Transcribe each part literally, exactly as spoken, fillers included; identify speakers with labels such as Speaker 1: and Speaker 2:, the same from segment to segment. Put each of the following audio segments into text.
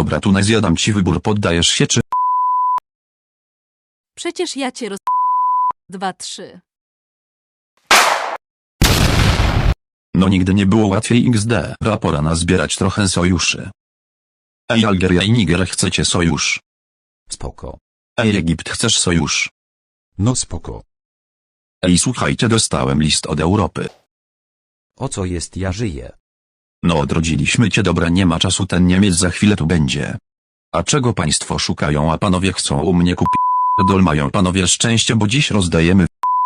Speaker 1: Dobra, Tunezja, dam ci wybór, poddajesz się czy...
Speaker 2: Przecież ja cię roz... Dwa, trzy.
Speaker 1: No nigdy nie było łatwiej iks de. Pora nazbierać trochę sojuszy. Ej, Algeria i Niger, chcecie sojusz?
Speaker 3: Spoko.
Speaker 1: Ej, Egipt, chcesz sojusz?
Speaker 3: No spoko.
Speaker 1: Ej, słuchajcie, dostałem list od Europy.
Speaker 3: O co jest, ja żyję?
Speaker 1: No, odrodziliśmy cię, dobra, nie ma czasu, ten Niemiec za chwilę tu będzie. A czego państwo szukają, a panowie chcą u mnie kupić? Dol mają panowie szczęście, bo dziś rozdajemy.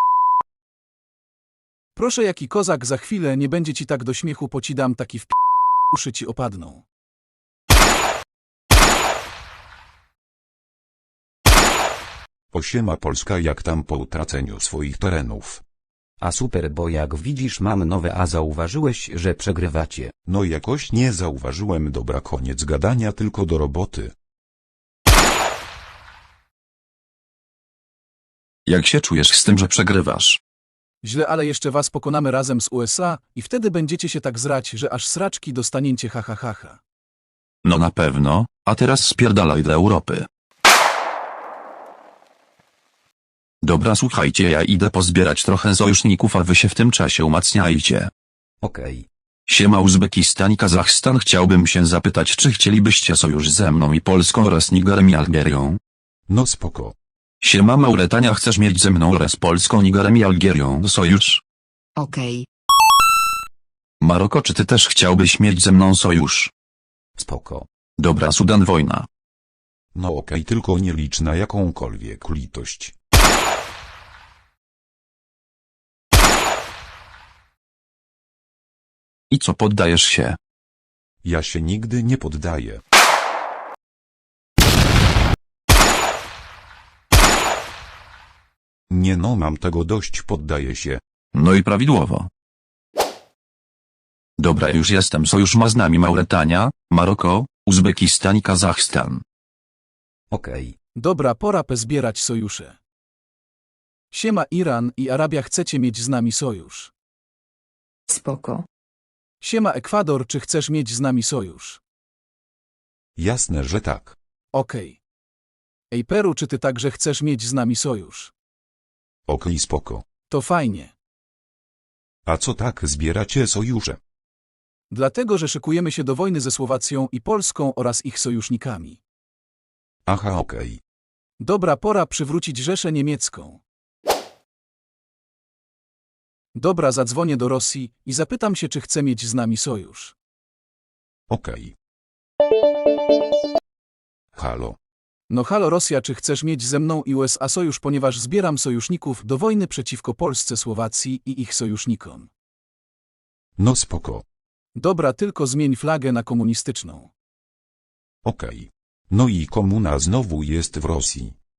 Speaker 4: Proszę, jaki kozak, za chwilę nie będzie ci tak do śmiechu, pocidam taki w p... uszy ci opadną.
Speaker 5: Osiema Polska, jak tam po utraceniu swoich terenów?
Speaker 3: A super, bo jak widzisz mam nowe, a zauważyłeś, że przegrywacie.
Speaker 5: No jakoś nie zauważyłem, dobra, koniec gadania, tylko do roboty.
Speaker 1: Jak się czujesz z tym, że przegrywasz?
Speaker 4: Źle, ale jeszcze was pokonamy razem z U S A i wtedy będziecie się tak zrać, że aż sraczki dostaniecie, ha ha ha ha.
Speaker 1: No na pewno, a teraz spierdalaj do Europy. Dobra, słuchajcie, ja idę pozbierać trochę sojuszników, a wy się w tym czasie umacniajcie.
Speaker 3: Okej.
Speaker 1: Siema Uzbekistan i Kazachstan, chciałbym się zapytać, czy chcielibyście sojusz ze mną i Polską oraz Nigerem i Algierią?
Speaker 5: No spoko.
Speaker 1: Siema Mauretania, chcesz mieć ze mną oraz Polską, Nigerem i Algierią sojusz?
Speaker 6: Okej.
Speaker 1: Maroko, czy ty też chciałbyś mieć ze mną sojusz?
Speaker 3: Spoko.
Speaker 1: Dobra, Sudan, wojna.
Speaker 5: No okej, tylko nie licz na jakąkolwiek litość.
Speaker 1: I co, poddajesz się?
Speaker 5: Ja się nigdy nie poddaję. Nie no, mam tego dość, poddaję się.
Speaker 1: No i prawidłowo. Dobra, już jestem, sojusz ma z nami Mauretania, Maroko, Uzbekistan i Kazachstan.
Speaker 3: Okej.
Speaker 4: Dobra, pora pozbierać sojusze. Siema Iran i Arabia, chcecie mieć z nami sojusz?
Speaker 6: Spoko.
Speaker 4: Siema Ekwador, czy chcesz mieć z nami sojusz?
Speaker 5: Jasne, że tak.
Speaker 4: Okej. Ej Peru, czy ty także chcesz mieć z nami sojusz?
Speaker 5: Okej, spoko.
Speaker 4: To fajnie.
Speaker 5: A co tak zbieracie sojusze?
Speaker 4: Dlatego, że szykujemy się do wojny ze Słowacją i Polską oraz ich sojusznikami.
Speaker 5: Aha, okej.
Speaker 4: Dobra, pora przywrócić Rzeszę Niemiecką. Dobra, zadzwonię do Rosji i zapytam się, czy chce mieć z nami sojusz.
Speaker 5: Okej. Halo.
Speaker 4: No halo Rosja, czy chcesz mieć ze mną i U S A sojusz, ponieważ zbieram sojuszników do wojny przeciwko Polsce, Słowacji i ich sojusznikom.
Speaker 5: No spoko.
Speaker 4: Dobra, tylko zmień flagę na komunistyczną.
Speaker 5: Okej. No i komuna znowu jest w Rosji.